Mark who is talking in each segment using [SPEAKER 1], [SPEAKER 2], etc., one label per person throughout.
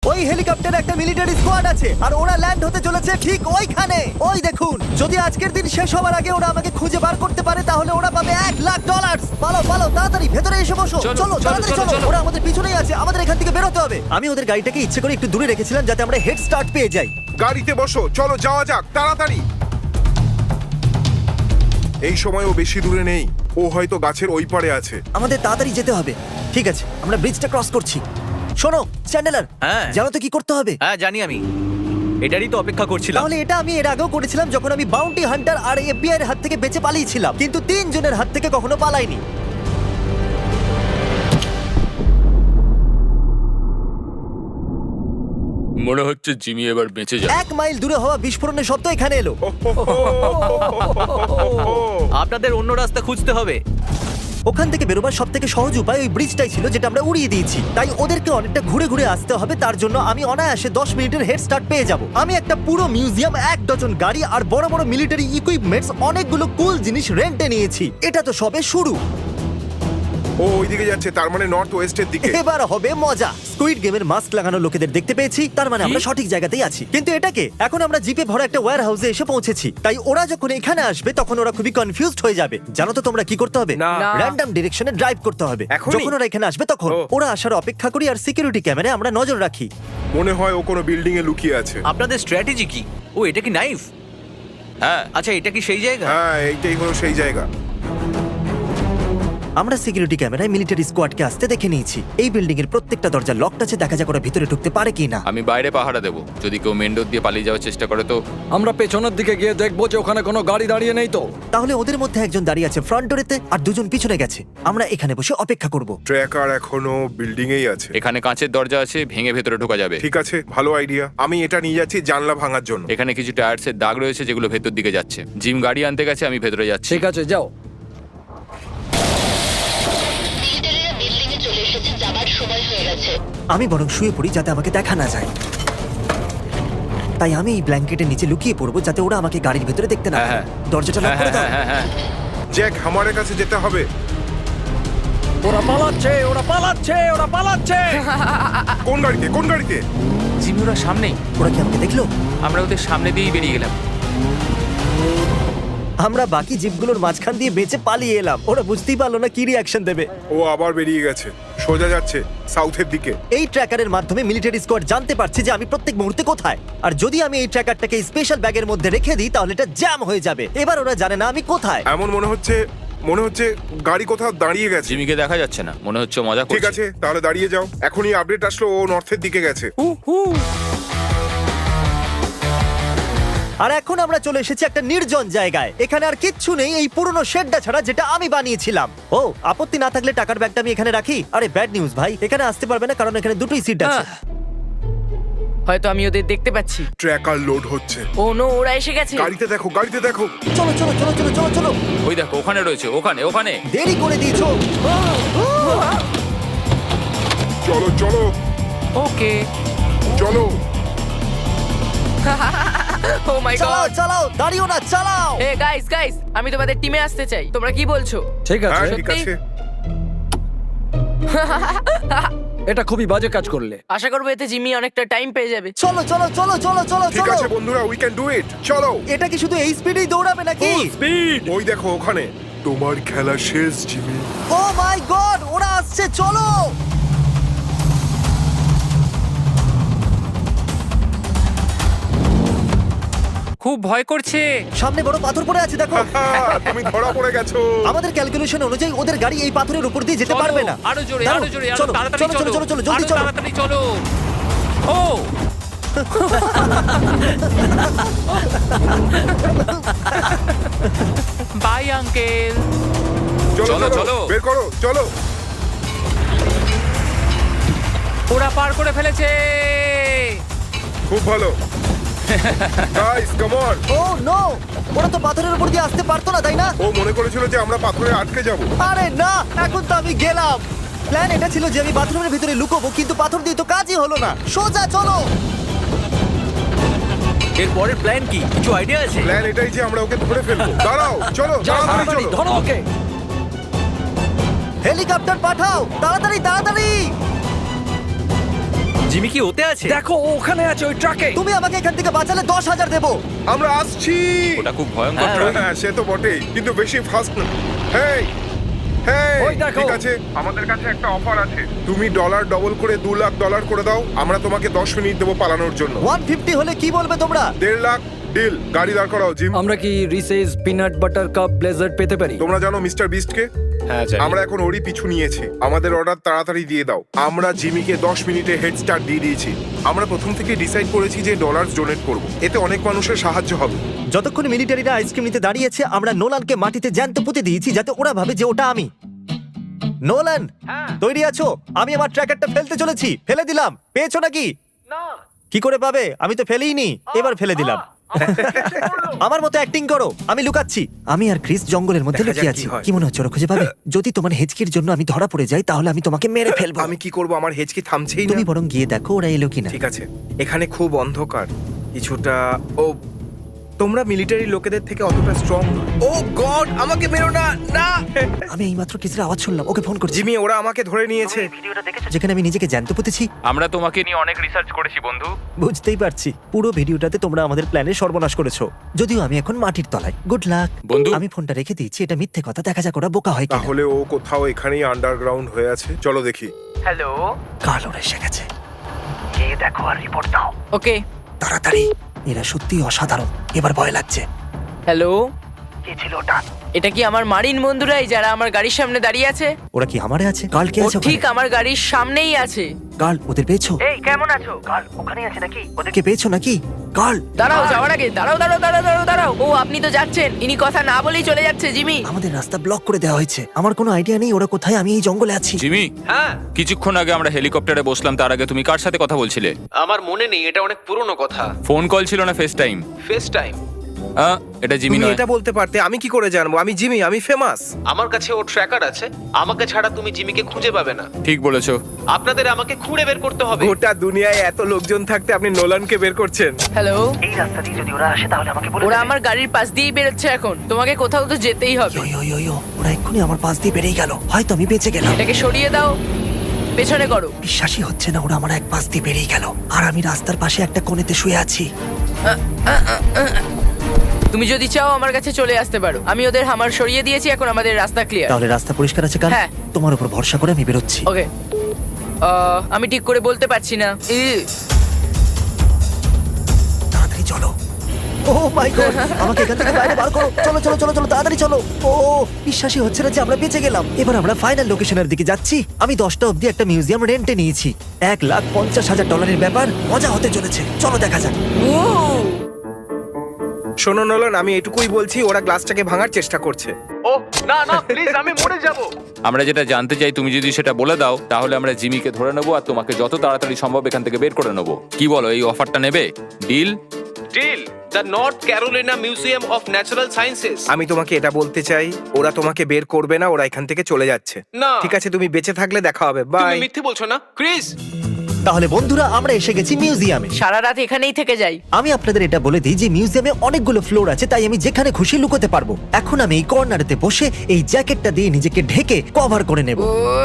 [SPEAKER 1] ওই হেলিকপ্টারে একটা মিলিটারি স্কোয়াড আছে আর ওরা ল্যান্ড হতে চলেছে ঠিক ওইখানে। ওই দেখুন, যদি আজকের দিন শেষ হওয়ার আগে ওরা আমাকে খুঁজে বার করতে পারে তাহলে ওরা পাবে $1,00,000। পালো পালো, তাড়াতাড়ি ভেতরে এসে বসো।
[SPEAKER 2] চলো,
[SPEAKER 1] চলো
[SPEAKER 2] চলো,
[SPEAKER 1] তাড়াতাড়ি
[SPEAKER 2] চলো,
[SPEAKER 1] চলো,
[SPEAKER 2] চলো।
[SPEAKER 1] ওরা আমাদের পিছনেই আছে, আমাদের এখান থেকে বেরোতে হবে। আমি ওদের গাড়িটাকে ইচ্ছে করে একটু দূরে রেখেছিলাম যাতে আমরা হেড স্টার্ট পেয়ে যাই।
[SPEAKER 3] গাড়িতে বসো, চলো যাওয়া যাক তাড়াতাড়ি। এই সময় ও বেশি দূরে নেই, ও হয়তো গাছের ওই পারে আছে।
[SPEAKER 1] আমাদের তাড়াতাড়ি যেতে হবে। ঠিক আছে, আমরা ব্রিজটা ক্রস করছি। শোনো চ্যান্ডেলার,
[SPEAKER 2] হ্যাঁ।
[SPEAKER 1] জানো তো কি করতে হবে?
[SPEAKER 2] হ্যাঁ জানি আমি, এটারই তো অপেক্ষা করছিলাম।
[SPEAKER 1] তাহলে এটা আমি এর আগেও করেছিলাম যখন আমি বাউন্টি হান্টার আর এফবিআই এর হাত থেকে বেঁচে পালিয়েছিলাম, কিন্তু 3 জনের হাত থেকে কখনো পালাইনি।
[SPEAKER 4] মনে হচ্ছে জিমি এবার বেঁচে যাবে।
[SPEAKER 1] 1 মাইল দূরে হওয়া বিস্ফোরণের শব্দ এখানে এলো।
[SPEAKER 2] আপনাদের অন্য রাস্তা খুঁজতে হবে।
[SPEAKER 1] ওখান থেকে বেরোবার সব থেকে সহজ উপায় ওই ব্রিজটাই ছিল যেটা আমরা উড়িয়ে দিয়েছি। তাই ওদেরকে অনেকটা ঘুরে ঘুরে আসতে হবে, তার জন্য আমি অনায়াসে 10 মিনিটের হেড স্টার্ট পেয়ে যাব। আমি একটা পুরো মিউজিয়াম, 1 ডজন গাড়ি আর বড় বড় মিলিটারি ইকুইপমেন্টস, অনেকগুলো কুল জিনিস রেন্টে নিয়েছি। এটা তো সবে শুরু।
[SPEAKER 3] ও ওইদিকে যাচ্ছে, তার মানে নর্থ ওয়েস্টের দিকে।
[SPEAKER 1] এবার হবে মজা। স্কুইড গেমের মাস্ক লাগানো লোকেদের দেখতে পেয়েছি, তার মানে আমরা সঠিক জায়গাতেই আছি। কিন্তু এটাকে এখন আমরা জিপে ভরা একটা ওয়্যার হাউসে এসে পৌঁছেছি। তাই ওরা যখন এখানে আসবে তখন ওরা খুবই কনফিউজড হয়ে যাবে। জানো তো তোমরা কি করতে হবে?
[SPEAKER 3] না।
[SPEAKER 1] র্যান্ডম ডিরেকশনে ড্রাইভ করতে হবে।
[SPEAKER 3] এখনই?
[SPEAKER 1] যখন ওরা এখানে আসবে তখন
[SPEAKER 3] ও।
[SPEAKER 1] ওরা আসার অপেক্ষা করি আর সিকিউরিটি ক্যামেরায় আমরা নজর রাখি।
[SPEAKER 3] মনে হয় ও কোনো বিল্ডিং এ লুকিয়ে আছে।
[SPEAKER 2] আপনাদের স্ট্র্যাটেজি কি? ও এটা কি নাইফ?
[SPEAKER 4] হ্যাঁ,
[SPEAKER 2] আচ্ছা এটা কি সেই জায়গা?
[SPEAKER 3] হ্যাঁ, এইটাই হলো সেই জায়গা।
[SPEAKER 1] আমরা সিকিউরিটি ক্যামেরায় মিলিটারি স্কোয়াডকে আসতে দেখে নিয়েছি। এই বিল্ডিং এর প্রত্যেকটা দরজা লকড আছে, দেখা যাক ওরা ভিতরে ঢুকতে পারে কিনা।
[SPEAKER 4] আমি বাইরে পাহারা দেবো। যদি কেউ মেন ডোর দিয়ে পালিয়ে যাওয়ার চেষ্টা করে তো
[SPEAKER 5] আমরা পেছনের দিকে গিয়ে দেখবো যে ওখানে কোনো গাড়ি দাঁড়িয়ে নেই তো।
[SPEAKER 1] তাহলে ওদের মধ্যে একজন দাঁড়িয়ে আছে ফ্রন্ট ডোরেতে আর 2 জন পিছনে গেছে। আমরা এখানে বসে অপেক্ষা করব।
[SPEAKER 3] ট্র্যাকার এখনো বিল্ডিং এই আছে।
[SPEAKER 4] এখানে কাঁচের দরজা আছে, ভেঙে ভেতরে ঢোকা যাবে।
[SPEAKER 3] ঠিক আছে, ভালো আইডিয়া। আমি এটা নিয়ে যাচ্ছি জানলা ভাঙার জন্য।
[SPEAKER 4] এখানে কিছু টায়ার্সের দাগ রয়েছে যেগুলো ভেতর দিকে যাচ্ছে। জিম গাড়ি আনতে গেছে, আমি ভেতরে যাচ্ছি।
[SPEAKER 5] ঠিক আছে যাও।
[SPEAKER 6] মিলিটারিরা বিল্ডিং এ চলে এসেছে, যাবার সময় হয়ে গেছে।
[SPEAKER 1] আমি বরং শুয়ে পড়ি যাতে আমাকে দেখা না যায়। তাই আমি এই ব্ল্যাঙ্কেটের নিচে লুকিয়ে পড়বো যাতে ওরা আমাকে গাড়ির ভেতরে দেখতে না
[SPEAKER 4] হ্যাঁ,
[SPEAKER 1] পায়।
[SPEAKER 4] হ্যাঁ।
[SPEAKER 1] দরজাটা লক
[SPEAKER 4] হ্যাঁ
[SPEAKER 1] করে দাও।
[SPEAKER 4] হ্যাঁ হ্যাঁ হ্যাঁ।
[SPEAKER 3] জ্যাক, হামারের কাছে যেতে হবে।
[SPEAKER 5] ওরা পালাচ্ছে, ওরা পালাচ্ছে, ওরা পালাচ্ছে।
[SPEAKER 3] কোন গাড়িতে, কোন গাড়িতে?
[SPEAKER 4] জিমি ওরা সামনেই।
[SPEAKER 1] ওরা কি আমাকে দেখলো?
[SPEAKER 4] আমরা ওদের সামনে দিয়েই বেরিয়ে গেলাম।
[SPEAKER 1] আমরা বাকি জিপগুলোর মাঝখান দিয়ে বেঁচে পালিয়ে এলাম। ওরা বুঝতেই পারলো না কি রিঅ্যাকশন দেবে।
[SPEAKER 3] ও আবার বেরিয়ে গেছে, সোজা যাচ্ছে সাউথের দিকে।
[SPEAKER 1] এই ট্র্যাকারের মাধ্যমে মিলিটারি স্কোয়াড জানতে পারছে যে আমি প্রত্যেক মুহূর্তে কোথায়। আর যদি আমি এই ট্র্যাকারটাকে স্পেশাল ব্যাগের মধ্যে রেখে দিই তাহলে এটা জ্যাম হয়ে যাবে। এবার ওরা জানে না আমি কোথায়।
[SPEAKER 3] এমন মনে হচ্ছে গাড়ি কোথাও দাঁড়িয়ে গেছে।
[SPEAKER 4] জিমিকে দেখা যাচ্ছে না, মনে হচ্ছে মজা
[SPEAKER 3] ঠিক
[SPEAKER 4] করছে।
[SPEAKER 3] আছে, তাহলে দাঁড়িয়ে যাও। এখনই আপডেট আসলো ও নর্থের দিকে গেছে।
[SPEAKER 1] আর এখন আমরা চলে এসেছি একটা নির্জন জায়গায়। এখানে আর কিচ্ছু নেই এই পুরনো শেডটা ছাড়া যেটা আমি বানিয়েছিলাম। ও, আপত্তি না থাকলে টাকার ব্যাগটা আমি এখানে রাখি। আরে ব্যাড নিউজ ভাই, এখানে আসতে পারবে না কারণ এখানে দুটোই সিট আছে।
[SPEAKER 7] হয়তো আমি ওদের দেখতে পাচ্ছি।
[SPEAKER 3] ট্র্যাকার লোড হচ্ছে।
[SPEAKER 7] ও নো, ওরা এসে গেছে।
[SPEAKER 3] গাড়িতে দেখো, গাড়িতে দেখো।
[SPEAKER 1] চলো চলো চলো চলো চলো চলো।
[SPEAKER 4] ওই দেখো, ওখানে রয়েছে, ওখানে ওখানে।
[SPEAKER 1] দেরি করে দিয়েছো।
[SPEAKER 3] চলো চলো
[SPEAKER 7] ওকে।
[SPEAKER 3] চলো।
[SPEAKER 7] ও মাই
[SPEAKER 1] চালাও
[SPEAKER 7] গড।
[SPEAKER 1] চালাও, দাঁড়িও না, চালাও।
[SPEAKER 7] হে গাইস গাইস, আমি তোমাদের টিমে আসতে চাই। তোমরা কি বলছো?
[SPEAKER 5] ঠিক
[SPEAKER 3] হ্যাঁ
[SPEAKER 5] আছে,
[SPEAKER 3] ঠিক আছে।
[SPEAKER 5] এটা খুবই বাজে কাজ করলে।
[SPEAKER 7] আশা করবো এতে জিমি অনেকটা টাইম পেয়ে যাবে।
[SPEAKER 1] চলো চলো চলো চলো চলো
[SPEAKER 3] ঠিক
[SPEAKER 1] চলো।
[SPEAKER 3] আছে বন্ধুরা, উই ক্যান ডু ইট। চলো।
[SPEAKER 1] এটা কি শুধু এই স্পিডেই দৌড়াবে নাকি?
[SPEAKER 3] ওই দেখো ওখানে। তোমার খেলা শেষ জিমি।
[SPEAKER 1] ও মাই গড, ওরা আসছে, চলো।
[SPEAKER 2] খুব ভয় করছে।
[SPEAKER 1] সামনে বড় পাথর পড়ে আছে দেখো।
[SPEAKER 3] তুমি ধরা পড়ে গেছো।
[SPEAKER 1] আমাদের ক্যালকুলেশন অনুযায়ী ওদের গাড়ি এই পাথরের উপর দিয়ে যেতে
[SPEAKER 2] চলো,
[SPEAKER 1] পারবে না।
[SPEAKER 2] আরো জোরে,
[SPEAKER 1] দাঁড়াও,
[SPEAKER 2] আরো জোরে, আরো
[SPEAKER 1] চলো,
[SPEAKER 2] তাড়াতাড়ি
[SPEAKER 1] চলো, চলো, চলো, চলো, জলদি
[SPEAKER 2] আরো
[SPEAKER 1] চলো।
[SPEAKER 2] তাড়াতাড়ি চলো। ও বাই আঙ্কেল।
[SPEAKER 3] চলো
[SPEAKER 4] চলো,
[SPEAKER 3] চলো
[SPEAKER 4] চলো।
[SPEAKER 3] বের করো, চলো।
[SPEAKER 2] ওরা পার করে ফেলেছে।
[SPEAKER 3] খুব ভালো। Guys come on.
[SPEAKER 1] Oh no, ওরা তো পাথরের উপর দিয়ে আসতে পারতো না, তাই না?
[SPEAKER 3] ও মনে করেছিল যে আমরা পাথরে আটকে যাব।
[SPEAKER 1] আরে না, এখন তো আমি গেলাম। প্ল্যান এটা ছিল যে আমি বাথরুমের ভিতরে লুকোবো, কিন্তু পাথর দিয়ে তো কাজই হলো না। সোজা চলো।
[SPEAKER 2] এর পরের প্ল্যান কি? কিছু আইডিয়া আছে?
[SPEAKER 3] প্ল্যান এটাই যে আমরা ওকে ধরে ফেলবো। দাঁড়াও, চলো
[SPEAKER 5] যাও
[SPEAKER 3] তাড়াতাড়ি
[SPEAKER 5] তাড়াতাড়ি,
[SPEAKER 3] চলো।
[SPEAKER 5] ধরো ওকে।
[SPEAKER 1] হেলিকপ্টার পাঠাও, তাড়াতাড়ি তাড়াতাড়ি।
[SPEAKER 2] জিমি কি ওতে আছে?
[SPEAKER 5] দেখো ও ওখানে আছে ওই ট্রাকে।
[SPEAKER 1] তুমি আমাকে এখান থেকে বাঁচালে 10,000 দেবো।
[SPEAKER 3] আমরা আসছি।
[SPEAKER 4] ওটা খুব ভয়ঙ্কর ট্রাক।
[SPEAKER 3] হ্যাঁ সে তো বটেই, কিন্তু বেশি ফাস্ট না। হেই হেই,
[SPEAKER 5] ওই দেখো।
[SPEAKER 3] ঠিক আছে, আমাদের কাছে একটা অফার আছে। তুমি ডলার ডবল করে $2,00,000 করে দাও, আমরা তোমাকে 10 মিনিট দেবো পালানোর জন্য।
[SPEAKER 1] 150 হলে কি বলবে তোমরা?
[SPEAKER 3] 1.5 লাখ ডিল। গাড়ি দাঁড় করাও জিম।
[SPEAKER 5] আমরা কি Reese's peanut butter cup blizzard পেতে পারি?
[SPEAKER 3] তোমরা জানো মিস্টার বিস্টকে?
[SPEAKER 4] হ্যাঁ জানি।
[SPEAKER 3] আমরা এখন ওরই পিছু নিয়েছি। আমাদের অর্ডার তাড়াতাড়ি দিয়ে দাও। আমরা জিমিকে 10 মিনিটে হেড স্টার্ট দিয়ে দিয়েছি। আমরা প্রথম থেকে ডিসাইড করেছি যে ডলার ডোনেট করব, এতে অনেক মানুষের সাহায্য হবে।
[SPEAKER 1] যতক্ষণ মিলিটারিরা আইসক্রিম নিতে দাঁড়িয়েছে আমরা নোলানকে মাটিতে জ্যান্ত পুঁতে দিয়েছি যাতে ওরা ভাবে যে ওটা আমি। নোলান, তৈরি আছো? আমি আমার ট্র্যাকারটা ফেলতে চলেছি। ফেলে দিলাম। পেয়েছো নাকি? কি করে পাবে? আমি তো ফেলেইনি। এবার ফেলে দিলাম। আমার মতো অ্যাক্টিং করো। আমি লুকাচ্ছি। আমি আর ক্রিস জঙ্গলের মধ্যে লুকিয়ে আছি। কি মনে হচ্ছে ওরা খুঁজে পাবে? যদি তোমার হেঁচকির জন্য আমি ধরা পড়ে যাই তাহলে আমি তোমাকে মেরে ফেলবো।
[SPEAKER 8] আমি কি করব? আমার হেঁচকি থামছেই না।
[SPEAKER 1] তুমি বরং গিয়ে দেখো ওরা এলো কিনা।
[SPEAKER 8] ঠিক আছে, এখানে খুব অন্ধকার কিছুটা। ও, তোমরা মিলিটারি লোকেদের থেকে অতটা স্ট্রং। ও গড, আমাকে মেরো না, না।
[SPEAKER 1] আমি এইমাত্র ক্রিসের আওয়াজ শুনলাম। ওকে ফোন করছি।
[SPEAKER 8] জিমি, ওরা আমাকে ধরে নিয়েছে।
[SPEAKER 1] যেখানে আমি নিজেকে জ্যান্ত পুঁতেছি।
[SPEAKER 4] আমরা তোমাকে নিয়ে অনেক রিসার্চ করেছি বন্ধু।
[SPEAKER 1] বুঝতেই পারছি। পুরো ভিডিওটাতে তোমরা আমাদের প্ল্যানের সর্বনাশ করেছো। যদিও আমি এখন মাটির তলায়। গুড লাক
[SPEAKER 4] বন্ধু।
[SPEAKER 1] আমি ফোনটা রেখে দিয়েছি। এটা মিথ্যে কথা। দেখা যাক ওরা বোকা হয় কিনা।
[SPEAKER 3] তাহলে ও কোথাও এখানেই আন্ডারগ্রাউন্ড হয়ে আছে। চলো দেখি।
[SPEAKER 7] হ্যালো।
[SPEAKER 1] কাল ওরা এসে গেছে।
[SPEAKER 7] ওকে।
[SPEAKER 1] তাড়াতাড়ি। এরা সত্যি অসাধারণ। এবার ভয় লাগছে।
[SPEAKER 7] হ্যালো। এটা কি আমার মারিন বন্ধুরাই যারা আমার গাড়ির সামনে দাঁড়িয়ে আছে?
[SPEAKER 1] ওরা কি আমারে আছে? কাল কে
[SPEAKER 7] ও
[SPEAKER 1] আছে?
[SPEAKER 7] ঠিক আমার গাড়ির সামনেই আছে।
[SPEAKER 1] কাল ওদের পেয়েছো?
[SPEAKER 7] এই কেমন আছো?
[SPEAKER 1] ওদেরকে পেয়েছো নাকি? কাল
[SPEAKER 7] দাঁড়াও, যাওয়ার আগে দাঁড়াও দাঁড়াও দাঁড়াও দাঁড়াও দাঁড়াও। ও আপনি তো যাচ্ছেন, ইনি কথা না বলেই চলে যাচ্ছে। জিমি,
[SPEAKER 1] আমাদের রাস্তা ব্লক করে দেওয়া হয়েছে। আমার কোনো আইডিয়া নেই ওরা কোথায়। আমি এই জঙ্গলে আছি।
[SPEAKER 4] জিমি, হ্যাঁ কিছুক্ষণ আগে আমরা হেলিকপ্টারে বসলাম, তার আগে তুমি কার সাথে কথা বলছিলে?
[SPEAKER 9] আমার মনে নেই, এটা অনেক পুরনো কথা।
[SPEAKER 4] ফোন কল ছিল না ফেস টাইম?
[SPEAKER 9] FaceTime.
[SPEAKER 4] এটা জিমি
[SPEAKER 8] তুমি
[SPEAKER 4] নয়।
[SPEAKER 8] এটা বলতে পারতে, আমি কি করে জানবো? আমি জিমি, আমি ফেমাস।
[SPEAKER 9] আমার কাছে ওর ট্র্যাকার আছে। আমাকে ছাড়া তুমি জিমিকে খুঁজে পাবে না।
[SPEAKER 4] ঠিক বলেছো।
[SPEAKER 9] আপনাদের আমাকে খুঁড়ে বের করতে হবে।
[SPEAKER 8] গোটা দুনিয়ায় এত লোকজন থাকতে আপনি নোলানকে বের করছেন।
[SPEAKER 7] হ্যালো। ওরা আমার গাড়ির পাশ দিয়েই বেরোচ্ছে এখন। তোমাকে কোথাও তো যেতেই হবে।
[SPEAKER 1] ইয়ো, ওরা এক্ষুনি আমার পাশ দিয়ে বেরিয়ে গেল। হয়তো আমি বেঁচে গেলাম।
[SPEAKER 7] এটাকে সরিয়ে দাও, পেছনে করো।
[SPEAKER 1] বিশ্বাসই হচ্ছে না ওরা আমার এক পাশ দিয়ে বেরিয়ে গেল। আর আমি রাস্তার পাশে একটা কোণেতে শুয়ে আছি।
[SPEAKER 7] তুমি যদি চাও আমার কাছে চলে আসতে পারো। আমি ওদের হামার সরিয়ে দিয়েছি, এখন আমাদের রাস্তা ক্লিয়ার।
[SPEAKER 1] তাহলে রাস্তা পরিষ্কার আছে কাল?
[SPEAKER 7] হ্যাঁ।
[SPEAKER 1] তোমার উপর ভরসা করে আমি বেরোচ্ছি।
[SPEAKER 7] ওকে। আমি ঠিক করে বলতে পারছি না।
[SPEAKER 1] তাড়াতাড়ি চলো। ও মাই গড, আমাকে এখান থেকে বাইরে বার করো। চলো চলো চলো চলো, তাড়াতাড়ি চলো। ও বিশ্বাসই হচ্ছে না যে আমরা বেঁচে গেলাম। এবার আমরা ফাইনাল লোকেশনের দিকে যাচ্ছি। আমি 10টা অবধি একটা মিউজিয়াম রেন্টে নিয়েছি। $1,50,000 ব্যাপার। মজা হতে চলেছে। চলো দেখা যাক।
[SPEAKER 8] শোনো নোলান, আমি এটুকুই বলছি, ওরা গ্লাসটাকে ভাঙার চেষ্টা করছে।
[SPEAKER 9] ও না না, প্লিজ, আমি মরে যাব।
[SPEAKER 4] আমরা যেটা জানতে চাই তুমি যদি সেটা বলে দাও তাহলে আমরা জিমিকে ধরে নেবো আর তোমাকে যত তাড়াতাড়ি সম্ভব এখান থেকে বের করে নেবো। কি বলো, এই অফারটা নেবে? Deal?
[SPEAKER 9] Deal. The North Carolina museum of natural sciences.
[SPEAKER 8] আমি তোমাকে এটা বলতে চাই, ওরা তোমাকে বের করবে না। ওরা এখান থেকে চলে যাচ্ছে।
[SPEAKER 9] না।
[SPEAKER 8] ঠিক আছে, তুমি বেঁচে থাকলে দেখা হবে।
[SPEAKER 9] তুমি
[SPEAKER 8] বাই।
[SPEAKER 9] মিথ্যে বলছো না ক্রিস?
[SPEAKER 1] তাহলে বন্ধুরা আমরা এসে গেছি মিউজিয়ামে।
[SPEAKER 7] সারা রাত এখানেই থেকে যাই।
[SPEAKER 1] আমি আপনাদের এটা বলে দিই যে মিউজিয়ামে অনেকগুলো ফ্লোর আছে, তাই আমি যেখানে খুশি লুকোতে পারবো। এখন আমি এই কর্নারেতে বসে এই জ্যাকেটটা দিয়ে নিজেকে ঢেকে কভার করে নেব।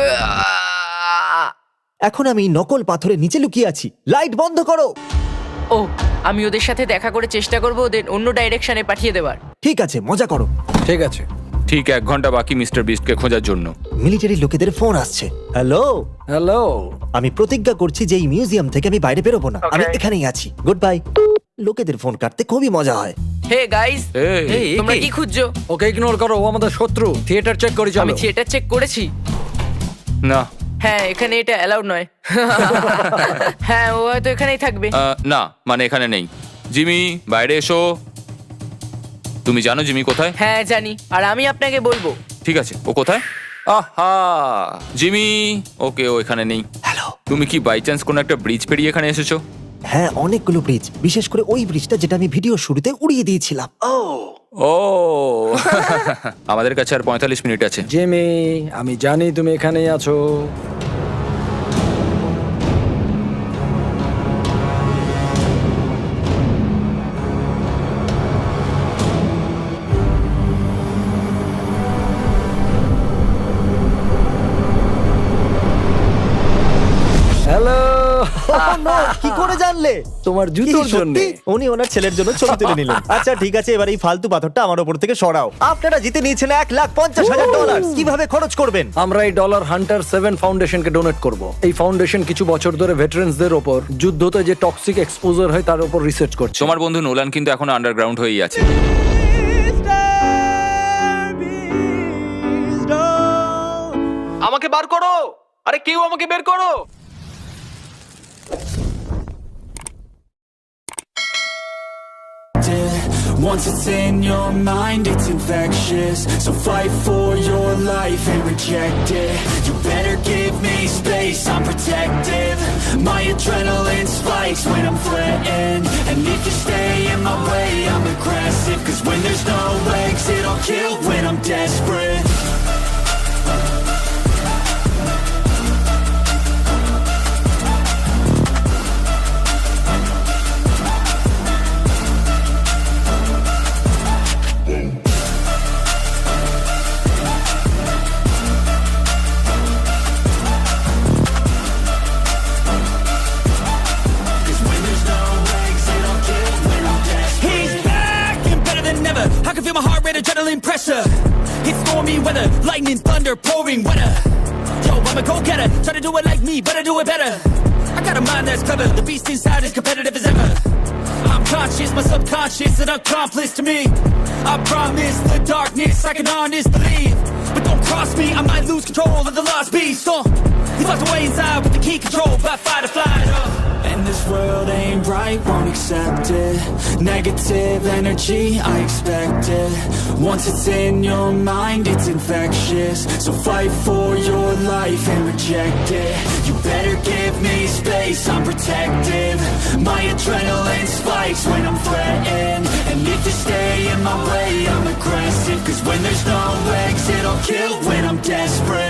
[SPEAKER 1] এখন আমি নকল পাথরের নিচে লুকিয়ে আছি। লাইট বন্ধ করো।
[SPEAKER 7] ও, আমি ওদের সাথে দেখা করে চেষ্টা করবো ওদের অন্য ডাইরেকশনে পাঠিয়ে দেওয়ার।
[SPEAKER 1] ঠিক আছে, মজা করো।
[SPEAKER 5] ঠিক আছে।
[SPEAKER 4] ঠিক 1 ঘন্টা বাকি মিস্টার বিস্টকে খোঁজার জন্য।
[SPEAKER 1] মিলিটারি লোকেদের ফোন আসছে। হ্যালো।
[SPEAKER 5] হ্যালো।
[SPEAKER 1] আমি প্রতিজ্ঞা করছি যে এই মিউজিয়াম থেকে আমি বাইরে বেরোবো না। আমি এখানেই আছি। Good bye. লোকেদের ফোন কাটতে খুবই মজা হয়।
[SPEAKER 7] হে গাইস,
[SPEAKER 4] এই,
[SPEAKER 7] তোমরা কি খুঁজছো?
[SPEAKER 5] ওকে ইগনোর করো, ও আমাদের শত্রু। থিয়েটার চেক করি চলো।
[SPEAKER 7] আমি থিয়েটার চেক করেছি।
[SPEAKER 4] না।
[SPEAKER 7] হ্যাঁ, এখানে এটা অ্যালাউড নয়। হ্যাঁ, ও হয়তো এখানেই থাকবে।
[SPEAKER 4] না মানে এখানে নেই। জিমি বাইরে এসো। তুমি জানো জিমি কোথায়?
[SPEAKER 7] হ্যাঁ জানি, আর আমি আপনাকে বলবো।
[SPEAKER 4] ঠিক আছে, ও কোথায়? আহা, জিমি। ওকে, ও এখানে নেই।
[SPEAKER 1] হ্যালো।
[SPEAKER 4] তুমি কি বাই চান্স কোনো একটা ব্রিজ পেরিয়ে এখানে এসেছো?
[SPEAKER 1] হ্যাঁ, অনেকগুলো ব্রিজ, বিশেষ করে ওই ব্রিজটা যেটা আমি ভিডিও শুরুতে উড়িয়ে দিয়েছিলাম।
[SPEAKER 4] ও আমাদের কাছে আর 45 মিনিট আছে।
[SPEAKER 5] জিমি, আমি জানি তুমি এখানেই আছো। হ্যালো।
[SPEAKER 1] জানলে?
[SPEAKER 5] তোমার
[SPEAKER 1] কি
[SPEAKER 5] জুতোর
[SPEAKER 1] সত্যি?
[SPEAKER 5] জন্য।
[SPEAKER 1] উনি ওনার ছেলের জন্য ছবি তুলে নিলেন। আচ্ছা ঠিক আছে, এবার এই ফালতু পাথরটা আমার উপর থেকে সরাও। আপনারা জিতে নিয়েছেন $1,50,000। কিভাবে খরচ করবেন?
[SPEAKER 5] আমরা এই ডলার হান্টার 7 ফাউন্ডেশনকে ডোনেট করব। এই ফাউন্ডেশন কিছু বছর ধরে ভেটারেন্সদের ওপর যুদ্ধতে যে টক্সিক এক্সপোজার হয় তার উপর রিসার্চ করছে।
[SPEAKER 4] তোমার বন্ধু নোলান কিন্তু এখন আন্ডারগ্রাউন্ড হয়েই আছে।
[SPEAKER 9] আমাকে বার করো, আরে কেউ আমাকে বের করো।
[SPEAKER 10] Once it's in your mind, it's infectious. So fight for your life and reject it. You better give me space, I'm protective. My adrenaline spikes when I'm threatened. And if you stay in my way, I'm aggressive. Cause when there's no exit, I'll kill when I'm desperate. I can feel my heart rate, adrenaline pressure. It's stormy weather, lightning, thunder, pouring weather. Yo, I'm a go-getter, try to do it like me, but I do it better. I got a mind that's clever, the beast inside is competitive as ever. I'm conscious, my subconscious, an accomplice to me. I promise the darkness, I can honest believe. But don't cross me, I might lose control of the lost beast. He's locked away inside with the key control by fight or flight. And this world ain't right, won't accept it. Negative energy, I expect it. Once it's in your mind, it's infectious. So fight for your life and reject it. You better give me space, I'm protective. My adrenaline spikes when I'm threatened. And if you stay in my way, I'm aggressive. Cause when there's no exit, I'll kill when I'm desperate.